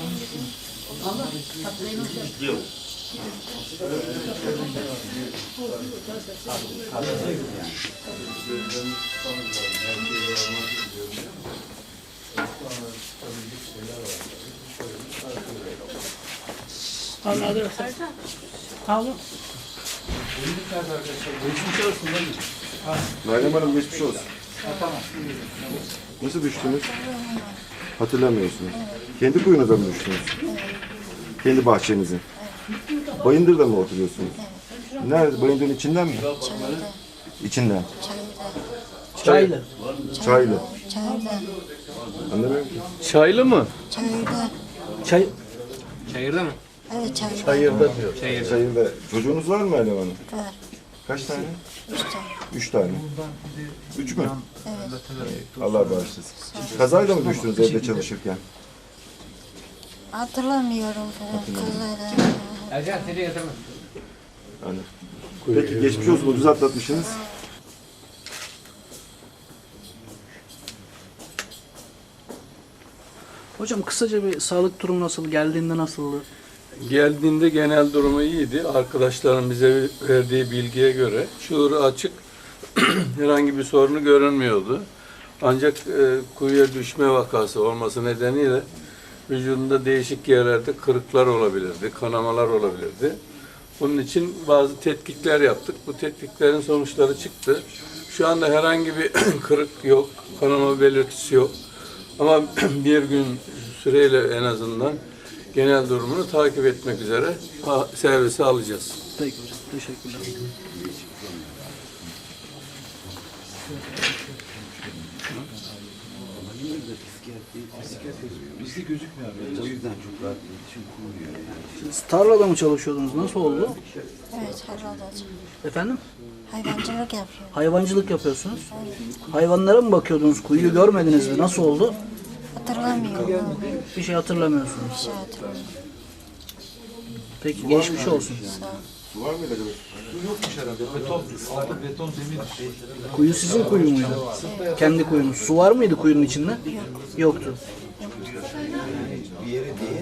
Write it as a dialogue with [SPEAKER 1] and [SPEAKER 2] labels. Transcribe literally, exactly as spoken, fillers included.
[SPEAKER 1] Yok.
[SPEAKER 2] Anladım. Tamam. Geçmiş olsun.
[SPEAKER 3] Meryem Hanım geçmiş olsun. Nasıl düştünüz? Hatırlamıyorsunuz. Kendi kuyunuza mı düştünüz? Kendi bahçenizin. Bayındır'da mı oturuyorsunuz? Nerede? Bayındır'ın içinden mi?
[SPEAKER 4] Çayırda.
[SPEAKER 3] İçinden.
[SPEAKER 2] Çaylı.
[SPEAKER 3] Çaylı.
[SPEAKER 4] Çayırda.
[SPEAKER 3] Anlamıyorum ki.
[SPEAKER 5] Çaylı mı?
[SPEAKER 4] Çayırda.
[SPEAKER 2] Çay.
[SPEAKER 5] Çayırda mı?
[SPEAKER 4] Evet çayırda.
[SPEAKER 5] Çayırda diyor. Çayırda.
[SPEAKER 3] Çayırda. Çocuğunuz var mı Meryem Hanım?
[SPEAKER 4] Var.
[SPEAKER 3] Kaç tane?
[SPEAKER 4] Üç tane.
[SPEAKER 3] Üç tane. Üç mü?
[SPEAKER 4] Evet.
[SPEAKER 3] Allah bağışlasın. Kazayla mı düştünüz evde çalışırken?
[SPEAKER 4] Hatırlamıyorum falan. Kızlardan.
[SPEAKER 5] Ercan seni getirme.
[SPEAKER 3] Anladım. Peki geçmiş olsun. Ucuz atlatmışsınız.
[SPEAKER 2] Hocam kısaca bir sağlık durumu nasıl? Geldiğinde nasıldı?
[SPEAKER 5] Geldiğinde genel durumu iyiydi. Arkadaşların bize verdiği bilgiye göre şuuru açık, herhangi bir sorunu görünmüyordu. Ancak e, kuyuya düşme vakası olması nedeniyle vücudunda değişik yerlerde kırıklar olabilirdi, kanamalar olabilirdi. Bunun için bazı tetkikler yaptık. Bu tetkiklerin sonuçları çıktı. Şu anda herhangi bir kırık yok, kanama belirtisi yok. Ama bir gün süreyle en azından genel durumunu takip etmek üzere servise alacağız.
[SPEAKER 2] Peki hocam. Teşekkürler.
[SPEAKER 6] Bizde gözükmüyor abi. O yüzden çok rahat iletişim kuruluyor yani.
[SPEAKER 2] Siz tarlada mı çalışıyordunuz? Nasıl oldu?
[SPEAKER 4] Evet herhalde.
[SPEAKER 2] Efendim?
[SPEAKER 4] Hayvancılık yapıyor.
[SPEAKER 2] Hayvancılık yapıyorsunuz. Hayvanlara mı bakıyordunuz? Kuyuyu görmediniz mi? Nasıl oldu?
[SPEAKER 4] Hatırlamıyorum.
[SPEAKER 2] Bir şey hatırlamıyorsunuz.
[SPEAKER 4] Bir şey hatırlamıyorum.
[SPEAKER 2] Peki geçmiş olsun.
[SPEAKER 4] Sağ ol.
[SPEAKER 3] Su var mıydı acaba?
[SPEAKER 6] Su yokmuş herhalde. Beton, altı beton zemin.
[SPEAKER 2] Kuyu sizin kuyu muydu? Kendi kuyunuz. Su var mıydı kuyunun içinde? Yoktu.
[SPEAKER 6] Bir yere değil.